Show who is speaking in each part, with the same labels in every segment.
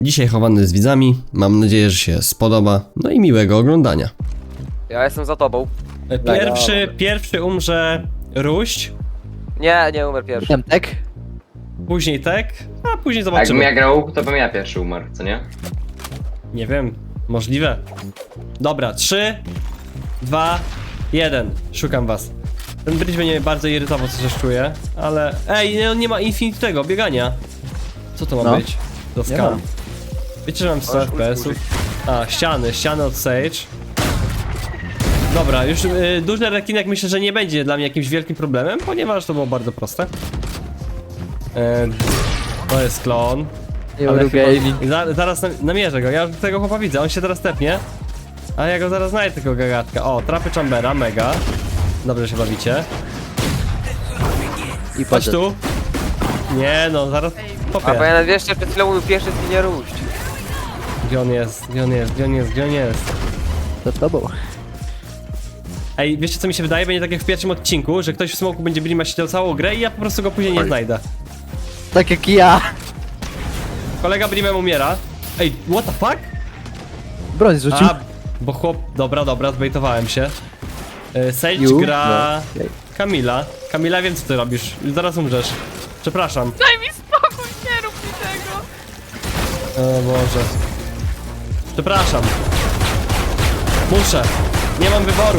Speaker 1: Dzisiaj chowany z widzami, mam nadzieję, że się spodoba, no i miłego oglądania.
Speaker 2: Ja jestem za tobą.
Speaker 1: Pierwszy umrze Ruść,
Speaker 2: Nie umarł pierwszy.
Speaker 3: Temtek?
Speaker 1: później Tek, a później
Speaker 4: Jakbym
Speaker 1: zobaczymy.
Speaker 4: ja grał, to bym ja pierwszy umarł, co nie?
Speaker 1: Nie wiem, możliwe. Dobra, 3, 2, 1, szukam was. Ten bridge mnie bardzo irytował, co coś czuję, ale... Ej, nie ma infinite tego, biegania. Co to ma
Speaker 3: No.
Speaker 1: być? To
Speaker 3: Nie
Speaker 1: skam.
Speaker 3: ma.
Speaker 1: Wiecie, że mam 100
Speaker 2: Możesz
Speaker 1: FPS-ów? A, ściany od Sage. Dobra, już duży rekinek myślę, że nie będzie dla mnie jakimś wielkim problemem, ponieważ to było bardzo proste. To jest klon. Ale chyba, zaraz namierzę go, ja już tego chłopa widzę, on się teraz tepnie. A ja go zaraz znajdę, tego gagatka. O, trapy Chambera, mega. Dobrze się bawicie.
Speaker 3: I
Speaker 1: Chodź tu. Nie no, zaraz
Speaker 2: A bo
Speaker 1: popię.
Speaker 2: ja wiesz, że przed chwilą mówił pierwszy zginie Ruść.
Speaker 1: Gdzie on jest? Gdzie on jest? Gdzie on jest? Gdzie on jest?
Speaker 3: Za tobą.
Speaker 1: Ej, wiecie co mi się wydaje? Będzie tak jak w pierwszym odcinku, że ktoś w smoku będzie Blima siedział całą grę i ja po prostu go później nie znajdę.
Speaker 3: Tak jak ja.
Speaker 1: Kolega Blimem umiera. Ej, what the fuck?
Speaker 3: Broń zrzucił.
Speaker 1: A, bo chłop... Dobra, zbejtowałem się. Sage
Speaker 3: You?
Speaker 1: gra...
Speaker 3: No.
Speaker 1: Kamila. Kamila, wiem co ty robisz. Zaraz umrzesz. Przepraszam.
Speaker 5: Daj mi spokój, nie rób mi tego!
Speaker 1: O Boże. Przepraszam. Muszę. Nie mam wyboru.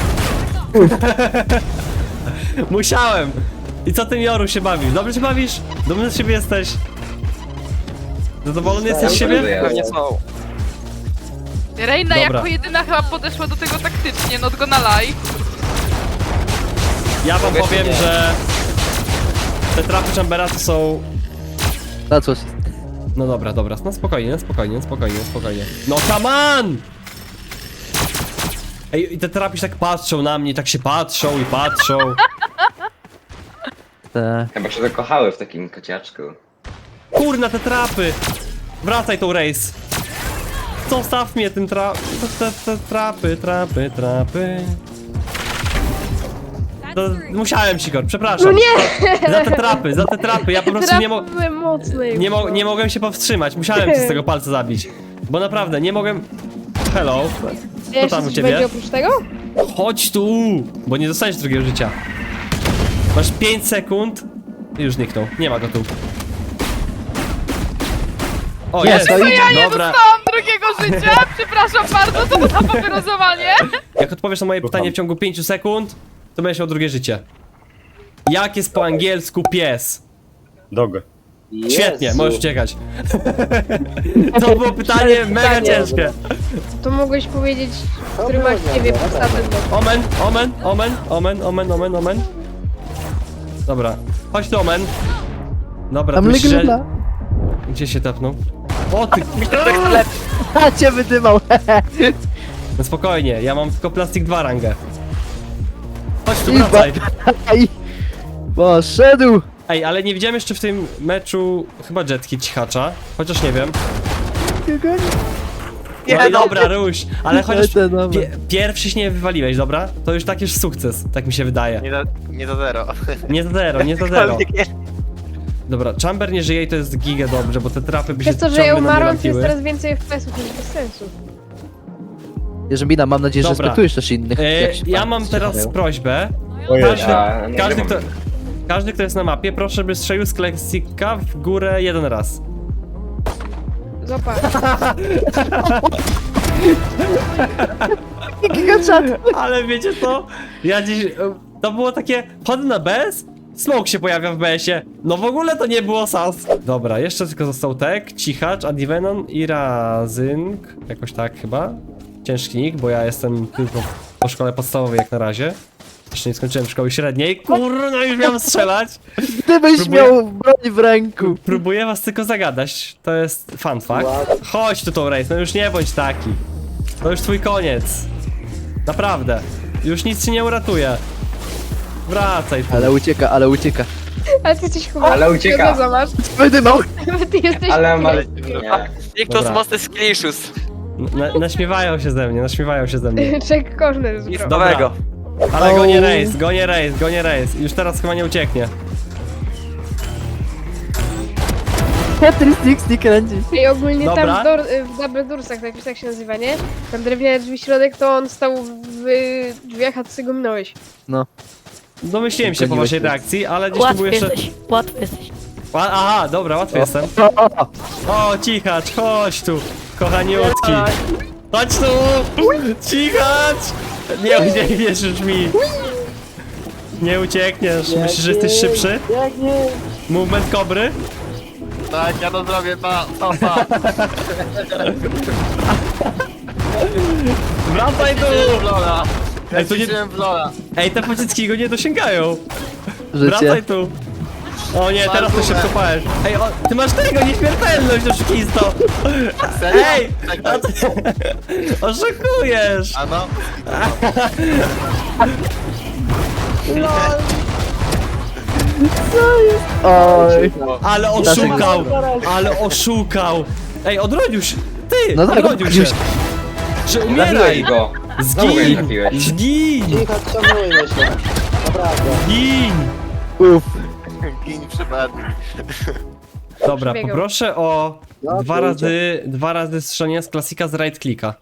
Speaker 1: Musiałem. I co ty, Joru, się bawisz? Dobrze się bawisz? Dumny z siebie jesteś? Zadowolony jesteś z siebie?
Speaker 2: Pewnie są.
Speaker 5: Reina
Speaker 1: Dobra.
Speaker 5: jako jedyna chyba podeszła do tego taktycznie, not gonna lie.
Speaker 1: Ja wam
Speaker 2: Mogę
Speaker 1: powiem,
Speaker 2: czy nie?
Speaker 1: że te trapy Chambera to są...
Speaker 3: Na coś.
Speaker 1: No dobra, no spokojnie. No come on! Ej, i te trapy się tak patrzą na mnie, tak się patrzą i patrzą.
Speaker 3: Te...
Speaker 4: Chyba się zakochały w takim kociaczku.
Speaker 1: Kurna, te trapy! Wracaj tą race. Zostaw mnie tym te trapy. To musiałem, Sigor, przepraszam. No nie! Za te trapy, ja po prostu
Speaker 6: Były mocne
Speaker 1: nie mogłem się powstrzymać, musiałem cię z tego palca zabić. Bo naprawdę, nie mogłem... Hello,
Speaker 6: Wiesz,
Speaker 1: tam u
Speaker 6: coś
Speaker 1: ciebie?
Speaker 6: będzie oprócz tego?
Speaker 1: chodź tu! Bo nie dostaniesz drugiego życia. Masz 5 sekund i już zniknął, nie ma go tu. O, jest!
Speaker 3: to idzie.
Speaker 5: Ja nie
Speaker 1: Dobra,
Speaker 5: dostałam drugiego życia! Przepraszam bardzo, co to za papierozowanie?
Speaker 1: jak odpowiesz na moje pytanie w ciągu 5 sekund, to będziesz miał drugie życie. Jak jest po angielsku pies?
Speaker 7: Dog.
Speaker 1: Świetnie, możesz uciekać. To było pytanie mega ciężkie.
Speaker 6: To mogłeś powiedzieć, który ma ciebie podstawę do...
Speaker 1: Omen. Dobra, chodź tu, Omen. Dobra,
Speaker 3: Tam
Speaker 1: ty myślisz, że...
Speaker 3: legenda.
Speaker 1: Gdzie się tepnął? O ty...
Speaker 3: A cię wydymał.
Speaker 1: No spokojnie, ja mam tylko plastik 2 rangę. Chodź tu,
Speaker 3: I
Speaker 1: wracaj.
Speaker 3: Aj. Poszedł.
Speaker 1: Ej, ale nie widziałem jeszcze w tym meczu chyba jetki cichacza. Chociaż nie wiem. No i dobra, Ruś, ale chociaż pierwszy się nie wywaliłeś, dobra? To już tak już sukces, tak mi się wydaje.
Speaker 2: Nie do zero.
Speaker 1: Nie to zero. Dobra, Chamber nie żyje i to jest giga dobrze, bo te trapy by się
Speaker 6: Przez to, że ja
Speaker 1: ciągle na mnie
Speaker 6: umarłam, to jest
Speaker 1: lampiły.
Speaker 6: teraz więcej FPS-ów, to jest bez sensu.
Speaker 3: Jerzymina, mam nadzieję, że
Speaker 1: Dobra.
Speaker 3: respektujesz też innych. jak się
Speaker 1: Ja
Speaker 3: pan
Speaker 1: mam teraz
Speaker 3: zachowają.
Speaker 1: prośbę.
Speaker 7: Ojej.
Speaker 1: Każdy, kto jest na mapie, proszę, żeby strzelił z kleksika w górę jeden raz.
Speaker 6: Zobacz.
Speaker 1: Ale wiecie co? Ja dziś... To było takie... Chodzę na BS? Smoke się pojawia w BS-ie. No w ogóle to nie było sens. Dobra, jeszcze tylko został Tek, Cichacz, Adivenon i Razynk. Jakoś tak chyba. Ciężki nick, bo ja jestem tylko po szkole podstawowej jak na razie. Jeszcze nie skończyłem szkoły średniej. Kurno, już miałem strzelać.
Speaker 3: Gdybyś
Speaker 1: Próbuję-
Speaker 3: miał broń w ręku.
Speaker 1: Próbuję was tylko zagadać. To jest fun fact. Chodź tu tą race, no już nie bądź taki. To już twój koniec. Naprawdę. Już nic ci nie uratuje. Wracaj tu.
Speaker 3: Ale ucieka.
Speaker 6: Ale ty jesteś chyba...
Speaker 4: Ale ucieka.
Speaker 6: Zobacz.
Speaker 3: Wydymał.
Speaker 6: Ty jesteś...
Speaker 4: Ale nie.
Speaker 2: Nikt
Speaker 1: Dobra.
Speaker 2: to mocny skilishus.
Speaker 1: Naśmiewają się ze mnie.
Speaker 6: Jack Corner zrobił.
Speaker 2: Nowego.
Speaker 1: Ale gonię race. Już teraz chyba nie ucieknie.
Speaker 3: Tetris Dixie kręci.
Speaker 6: I ogólnie
Speaker 1: Dobra.
Speaker 6: tam w Double Doorsach, jakoś tak się nazywa, nie? Tam drewniane drzwi środek, to on stał w drzwiach, a ty go minąłeś.
Speaker 1: Domyśliłem się po
Speaker 3: Goniłeś
Speaker 1: waszej
Speaker 3: mnie.
Speaker 1: reakcji, ale gdzieś tu był
Speaker 7: Łatwy
Speaker 1: jeszcze...
Speaker 7: jesteś, łatwy jesteś.
Speaker 1: Aha, dobra, łatwy jestem. O, cichacz, chodź tu, kochaniutki. Chodź tu! Cichacz! Nie uciekniesz już mi. Nie uciekniesz. Myślisz, że jesteś szybszy? Movement kobry?
Speaker 2: Tak, ja to zrobię, pa.
Speaker 1: Wracaj tu!
Speaker 2: Lola.
Speaker 1: Ej, to nie...
Speaker 2: w Lola.
Speaker 1: Ej, te pociski go nie dosięgają.
Speaker 3: Życie.
Speaker 1: Wracaj tu. O nie, teraz to się wkopałeś. Ej, ty masz tego, nieśmiertelność, oszukisto. Ej! A ty... Oszukujesz!
Speaker 2: A no?
Speaker 3: Oj.
Speaker 1: Ale oszukał! Ale oszukał! Ej, odrodził się! Ty!
Speaker 3: No tak,
Speaker 1: odrodził się!
Speaker 3: odrodził się.
Speaker 1: Że
Speaker 4: Trafiłeś
Speaker 1: umieraj!
Speaker 4: go! Znowu go nie
Speaker 1: Zgin!
Speaker 4: trafiłeś.
Speaker 1: Zgin! Zgin!
Speaker 3: Uff.
Speaker 2: Gin przypadek.
Speaker 1: Dobra,
Speaker 6: Przebiegał.
Speaker 1: poproszę o dwa razy strzelanie z klasika z right clicka.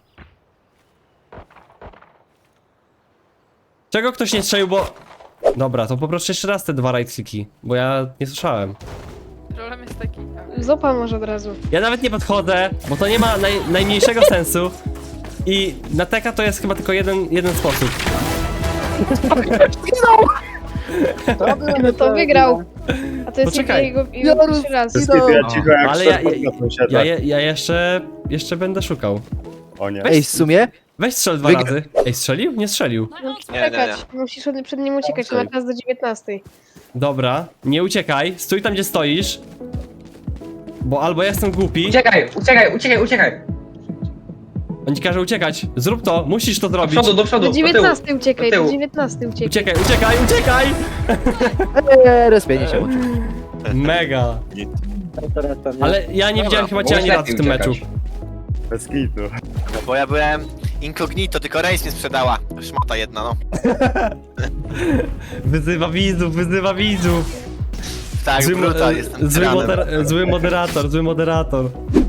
Speaker 1: Czego ktoś nie strzelił, bo... Dobra, to poproszę jeszcze raz te 2 right clicki, bo ja nie słyszałem.
Speaker 5: Problem jest taki.
Speaker 6: Zopa może od razu.
Speaker 1: Ja nawet nie podchodzę, bo to nie ma najmniejszego sensu. I na teka to jest chyba tylko jeden sposób.
Speaker 6: No to wygrał. A to jest
Speaker 1: Poczekaj.
Speaker 6: jego pierwszy raz.
Speaker 1: Ale ja jeszcze będę szukał.
Speaker 8: O nie.
Speaker 3: Ej, w sumie?
Speaker 1: Weź strzel 2
Speaker 3: Wygra-
Speaker 1: razy. Ej, strzelił? Nie strzelił.
Speaker 6: Czekać. Musisz przed nim uciekać, ma czas do 19.
Speaker 1: Dobra, nie uciekaj. Stój tam, gdzie stoisz. Bo albo ja jestem głupi.
Speaker 4: Uciekaj!
Speaker 1: On ci każe uciekać. Zrób to, musisz to
Speaker 4: Do
Speaker 1: zrobić.
Speaker 4: przodu, do przodu,
Speaker 6: Do
Speaker 4: do tyłu.
Speaker 6: 19 uciekaj,
Speaker 4: do tyłu.
Speaker 6: do 19 uciekaj.
Speaker 1: Uciekaj!
Speaker 3: Respienie się łączy.
Speaker 1: Mega. Ale ja nie widziałem chyba cię ani razu w tym meczu.
Speaker 8: Bez kitu.
Speaker 2: No bo ja byłem incognito, tylko Rejs mnie sprzedała. Szmata jedna, no.
Speaker 1: Wyzywa widzów.
Speaker 2: Tak, brutal, jestem tyranem.
Speaker 1: Zły moderator.